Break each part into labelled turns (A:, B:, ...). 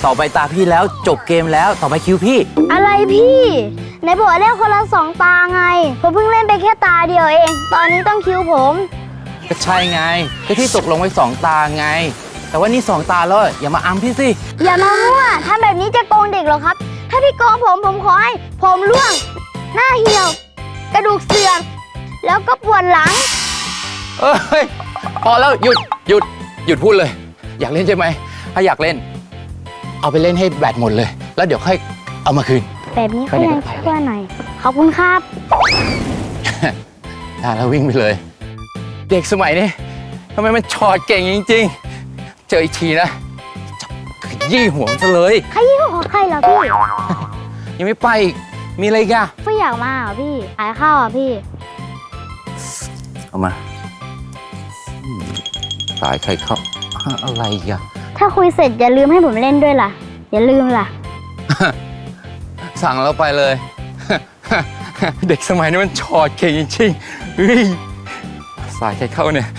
A: ต่อไปตาพี่แล้วจบเกมแล้วต่อไปคิวพี่
B: อะไรพี่ไหนบอกว่าเล่นคนละ2 ตาไงผมเพิ่งเล่นไปแค่ตาเดียวเองตอนนี้ต้องคิวผม
A: ก็ใช่ไงก็ที่ตกลงไว้2 ตาไงแต่ว่านี่2 ตาแล้วอย่ามาอัมพี่สิ
B: อย่ามามั่วถ้าแบบนี้จะโกงเด็กหรอครับถ้าพี่โกงผมขอให้ผมร่วงหน้าเหี่ยวกระดูกเสื่อมแล้วก็ปวดหลัง
A: เอ้ยพอแล้วหยุดพูดเลยอยากเล่นใช่ไหมถ้าอยากเล่นเอาไปเล่นให้แบตหมดเลยแล้วเดี๋ยวค่อยเอามาคืน
B: แบบนี้ก็ยังช่วยหน่อยขอบคุณครับ
A: แล้ววิ่งไปเลยเด็กสมัยนี้ทำไมมันชอดเก่งจริงๆเจออีกทีนะจับขยี้หัวมันซะเลย
B: ขยี้หัวใครเหรอพี่
A: ยังไม่ไปอีกมีอะไรกัน
B: ไม่อยากมาเหรอพี่ขายข้าวอ่ะพี่
A: เอามาขายใครเข้าอะไรกัน
B: ถ้าคุยเสร็จอย่าลืมให้ผมเล่นด้วยล่ะอย่าลืมล่ะ
A: สั่งแล้วไปเลยเด็กสมัยนี้มันชอดเก่งจริงๆสายใครเข้าเนี่ย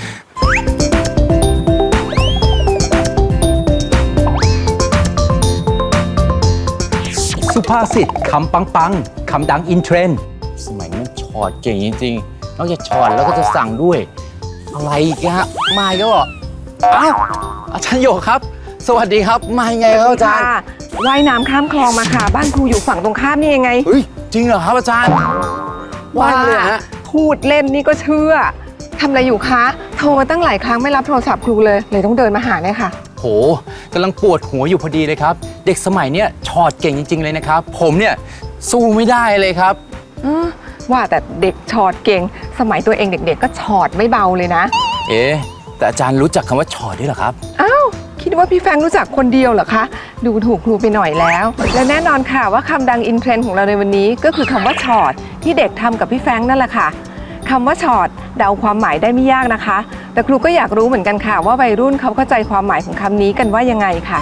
A: สุภาษิตคำปังคำดังอินเทรนด์สมัยนี้มันชอดเก่งจริงๆนอกจากชอดแล้วก็จะสั่งด้วยอะไรกันฮะมาก็บอกอ้าวอาจารย์โยครับสวัสดีครับมาไงครับอาจารย์
C: ว่ายน้ำข้ามคลองมาค่ะบ้านครูอยู่ฝั่งตรงข้ามนี่ยังไง
A: เฮ้ยจริงเหรอครับอาจารย์
C: ว่าเลยฮะพูดเล่นนี่ก็เชื่อทำอะไรอยู่คะโทรมาตั้งหลายครั้งไม่รับโทรศัพท์ครูเลยต้องเดินมาหาเนี่ยค่ะ
A: โหกำลังปวดหัวอยู่พอดีเลยครับเด็กสมัยเนี้ยชอดเก่งจริงๆเลยนะครับผมเนี่ยสู้ไม่ได้เลยครับ
C: ว่าแต่เด็กชอดเก่งสมัยตัวเองเด็กๆก็ชอดไม่เบาเลยนะ
A: แต่อาจารย์รู้จักคำว่าชอดด้วยเหรอครับ
C: อ้าวคิดว่าพี่แฟงรู้จักคนเดียวเหรอคะดูถูกครูไปหน่อยแล้วและแน่นอนค่ะว่าคำดังอินเทรนด์ของเราในวันนี้ก็คือคำว่าชอดที่เด็กทำกับพี่แฟงนั่นแหละค่ะคำว่าชอดเดาความหมายได้ไม่ยากนะคะแต่ครูก็อยากรู้เหมือนกันค่ะว่าวัยรุ่นเขาเข้าใจความหมายของคำนี้กันว่ายังไงค่ะ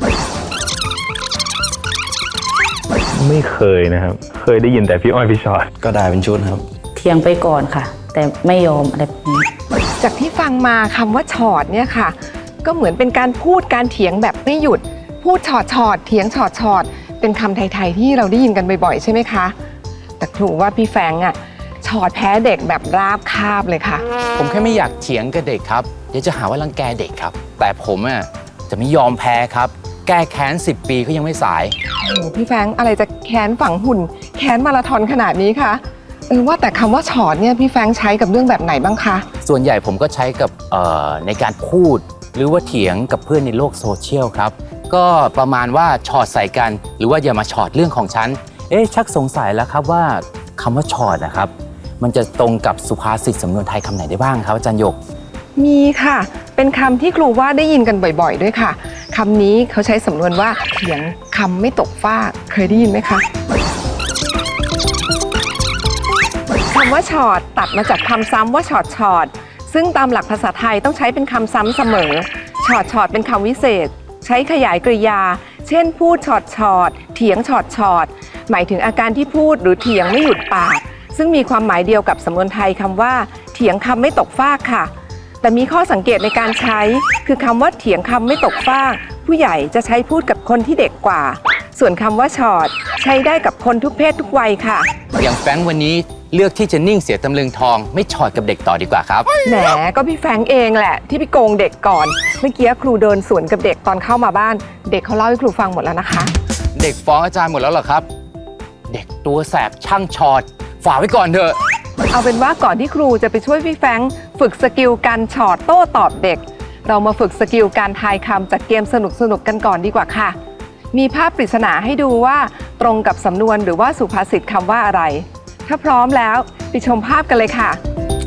D: ไม่เคยนะครับเคยได้ยินแต่พี่อ้อยพี่ชอต
A: ก็ได้เป็นชุดครับ
E: เถียงไปก่อนค่ะแต่ไม่ยอมอะไรแบบนี้
C: จากที่ฟังมาคำว่าชอดเนี่ยค่ะก็เหมือนเป็นการพูดการเถียงแบบไม่หยุดพูดชอดเถียงชอดเป็นคำไทยๆที่เราได้ยินกันบ่อยๆใช่ไหมคะแต่ครูว่าพี่แฟงชอดแพ้เด็กแบบราบคาบเลยค่ะ
A: ผมแค่ไม่อยากเถียงกับเด็กครับเดี๋ยวจะหาว่ารังแกเด็กครับแต่ผมจะไม่ยอมแพ้ครับแก้แค้น10 ปีก็ยังไม่สาย
C: โอ้พี่แฟงอะไรจะแค้นฝังหุ่นแค้นมาราธอนขนาดนี้คะว่าแต่คำว่าชอดเนี่ยพี่แฟงใช้กับเรื่องแบบไหนบ้างคะ
A: ส่วนใหญ่ผมก็ใช้กับในการพูดหรือว่าเถียงกับเพื่อนในโลกโซเชียลครับก็ประมาณว่าชอดใส่กันหรือว่าอย่ามาชอดเรื่องของฉันชักสงสัยแล้วครับว่าคำว่าชอดนะครับมันจะตรงกับสุภาษิตสำนวนไทยคำไหนได้บ้างครับอาจารย์หยก
C: มีค่ะเป็นคำที่ครูว่าได้ยินกันบ่อยๆด้วยค่ะคำนี้เขาใช้สำนวนว่าเถียงคำไม่ตกฟากเคยได้ยินไหมคะคำว่าชอดตัดมาจากคำซ้ำว่าชอดซึ่งตามหลักภาษาไทยต้องใช้เป็นคำซ้ำเสมอชอดเป็นคำวิเศษใช้ขยายกริยาเช่นพูดชอดเถียงชอดหมายถึงอาการที่พูดหรือเถียงไม่หยุดปากซึ่งมีความหมายเดียวกับสำนวนไทยคำว่าเถียงคำไม่ตกฟากค่ะแต่มีข้อสังเกตในการใช้คือคำว่าเถียงคำไม่ตกฟากผู้ใหญ่จะใช้พูดกับคนที่เด็กกว่าส่วนคำว่าชอดใช้ได้กับคนทุกเพศทุกวัยค่ะ
A: อย่างแฟงวันนี้เลือกที่จะนิ่งเสียตำลึงทองไม่ชอดกับเด็กต่อดีกว่าครับ
C: แหมก็พี่แฟงเองแหละที่ไปโกงเด็กก่อนเมื่อกี้ครูเดินสวนกับเด็กตอนเข้ามาบ้านเด็กเขาเล่าให้ครูฟังหมดแล้วนะคะ
A: เด็กฟ้องอาจารย์หมดแล้วเหรอครับเด็กตัวแสบช่างชอดฝากไว้ก่อนเถอะ
C: เอาเป็นว่าก่อนที่ครูจะไปช่วยพี่แฟงฝึกสกิลการชอดโต้ตอบเด็กเรามาฝึกสกิลการทายคำจากเกมสนุกกันก่อนดีกว่าค่ะมีภาพปริศนาให้ดูว่าตรงกับสำนวนหรือว่าสุภาษิตคำว่าอะไรถ้าพร้อมแล้วไปชมภาพกันเลยค่ะ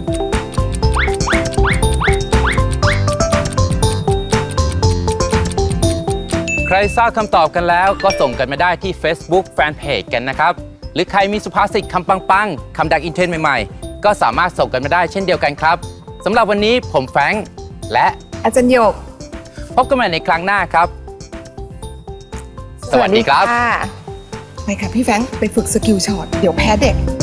A: ใครทราบคำตอบกันแล้วก็ส่งกันมาได้ที่ Facebook Fanpage กันนะครับหรือใครมีสุภาษิตคำปังคำดังอินเทรนด์ใหม่ๆก็สามารถส่งกันมาได้เช่นเดียวกันครับสำหรับวันนี้ผมแฟรงค์และ
C: อาจารย์หยก
A: พบกันใหม่ในครั้งหน้าครับสวัสดีครับ
C: ไปค่ะพี่แฟงไปฝึกสกิลช็อตเดี๋ยวแพ้เด็ก